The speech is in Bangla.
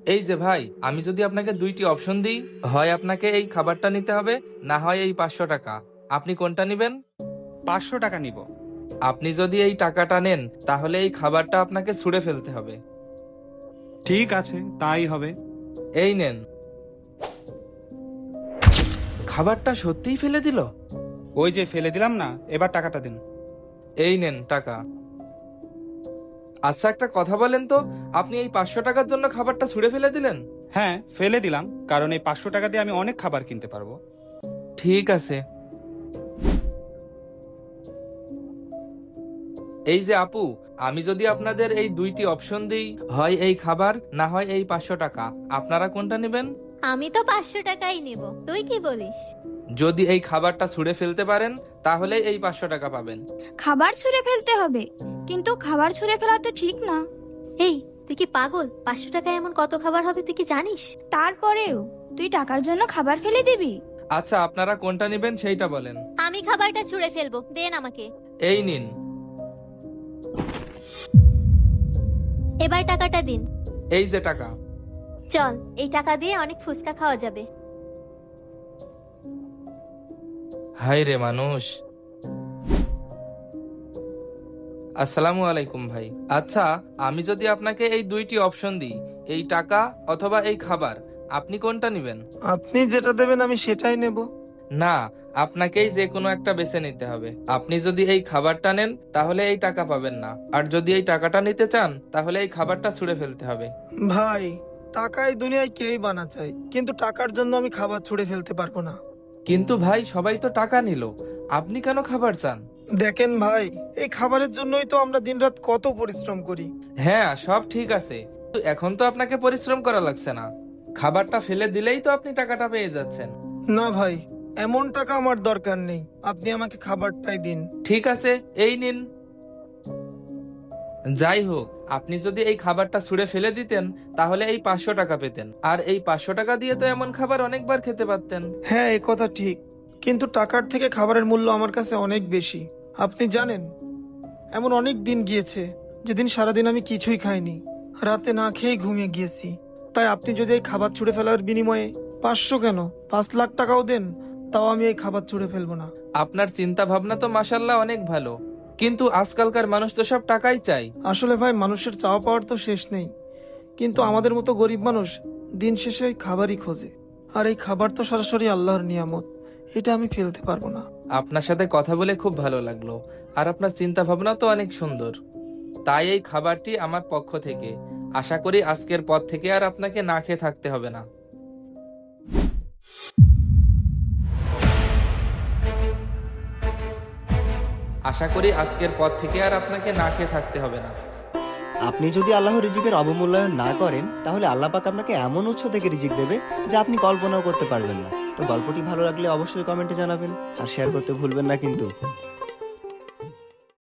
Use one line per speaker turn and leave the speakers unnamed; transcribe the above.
এই যে ভাই, আমি যদি আপনাকে দুইটি অপশন দিই, হয় আপনাকে এই খাবারটা নিতে হবে, না হয় এই 500 টাকা। আপনি কোনটা নেবেন?
500 টাকা নিব।
আপনি যদি এই টাকাটা নেন, তাহলে এই খাবারটা আপনাকে ছুঁড়ে ফেলতে হবে।
ঠিক আছে, তাই হবে।
এই নেন। খাবারটা সত্যিই ফেলে দিল।
ওই যে ফেলে দিলাম না, এবার টাকাটা দিন।
এই নেন টাকা। আচ্ছা, একটা কথা বলেন তো, আপনি এই 500 টাকার জন্য খাবারটা ছুঁড়ে ফেলে দিলেন?
হ্যাঁ, ফেলে দিলাম, কারণ এই 500 টাকা দিয়ে আমি অনেক খাবার কিনতে পারবো।
ঠিক আছে। এই যে আপু, আমি যদি আপনাদের এই দুইটি অপশন দিই, হয় এই খাবার, না হয় এই 500 টাকা, আপনারা কোনটা নেবেন?
আমি তো 500 টাকাই নেব, তুই কি বলিস?
যদি এই খাবারটা ছুঁড়ে ফেলতে পারেন, তাহলে এই 500 টাকা পাবেন।
খাবার ছুঁড়ে ফেলতে হবে, কিন্তু খাবার ছুঁড়ে ফেলা তো ঠিক না।
এই, তুই কি পাগল? 500 টাকায় এমন কত খাবার হবে তুই কি জানিস?
তারপরেও তুই টাকার জন্য খাবার ফেলে দিবি?
আচ্ছা, আপনারা কোনটা নেবেন সেইটা বলেন।
আমি খাবারটা ছুঁড়ে ফেলবো, দেন আমাকে।
এই নিন।
এবার টাকাটা দিন।
এই যে টাকা।
চল, এই টাকা দিয়ে অনেক ফুচকা খাওয়া যাবে।
হাই রে মানুষ। আসসালামু আলাইকুম ভাই। আচ্ছা, আমি যদি আপনাকে এই দুইটি অপশন দিই, এই টাকা অথবা এই খাবার, আপনি কোনটা নেবেন?
আপনি যেটা দেবেন আমি সেটাই নেব।
না, আপনাকেই যে কোনো একটা বেছে নিতে হবে। আপনি যদি এই খাবারটা নেন, তাহলে এই টাকা পাবেন না, আর যদি এই টাকাটা নিতে চান, তাহলে এই খাবারটা ছুঁড়ে ফেলতে হবে।
ভাই, টাকা এই দুনিয়ায় কেই বানা চাই, কিন্তু টাকার জন্য আমি খাবার ছুঁড়ে ফেলতে পারবো না।
কিন্তু ভাই, সবাই তো টাকা নিল, আপনি কেন খাবার চান?
দেখেন ভাই, এই খাবারের জন্যই তো আমরা দিনরাত কত পরিশ্রম করি।
হ্যাঁ, সব ঠিক আছে, কিন্তু এখন তো আপনাকে পরিশ্রম করা লাগছে না। খাবারটা ফেলে দিলেই তো আপনি টাকাটা পেয়ে যাচ্ছেন।
না ভাই, এমন টাকা আমার দরকার নেই, আপনি আমাকে খাবারটাই দিন।
ঠিক আছে, এই নিন। যাই হোক, আপনি যদি এই খাবারটা ছুঁড়ে ফেলে দিতেন, তাহলে এই 500 টাকা পেতেন, আর এই 500 টাকা দিয়ে তো এমন খাবার অনেকবার খেতে পারতেন।
হ্যাঁ, এই কথা ঠিক, কিন্তু টাকার থেকে খাবারের মূল্য আমার কাছে অনেক বেশি। আপনি জানেন, এমন অনেক দিন গিয়েছে যেদিন সারাদিন আমি কিছুই খাইনি, রাতে না খেয়েই ঘুমিয়ে গিয়েছি। তাই আপনি যদি এই খাবার ছুঁড়ে ফেলার বিনিময়ে 500 কেন 5 লাখ টাকাও দেন, তাও আমি এই খাবার ছুঁড়ে ফেলবো না।
আপনার চিন্তা ভাবনা তো মাশাল্লাহ অনেক ভালো, কিন্তু আজকালকার মানুষ তো সব টাকাই চাই।
আসলে ভাই, মানুষের চাওয়া পাওয়ার তো শেষ নেই, কিন্তু আমাদের মতো গরিব মানুষ দিন শেষে এই খাবারই খোঁজে। আর এই খাবার তো সরাসরি আল্লাহর নিয়ামত, এটা আমি ফেলতে পারবো না।
আপনার সাথে কথা বলে খুব ভালো লাগলো, আর আপনার চিন্তা ভাবনা তো অনেক সুন্দর। তাই এই খাবারটি আমার পক্ষ থেকে। আশা করি আজকের পর থেকে আর আপনাকে না খেয়ে থাকতে হবে না। আশা করি আজকের পর থেকে আর আপনাকে না খেয়ে থাকতে হবে না।
আপনি যদি আল্লাহর রিজিকের অবমূল্যায়ন না করেন, তাহলে আল্লাহ পাক আপনাকে এমন উৎস থেকে রিজিক দেবে যা আপনি কল্পনাও করতে পারবেন না। তো গল্পটি ভালো লাগলে অবশ্যই কমেন্টে জানাবেন, আর শেয়ার করতে ভুলবেন না কিন্তু।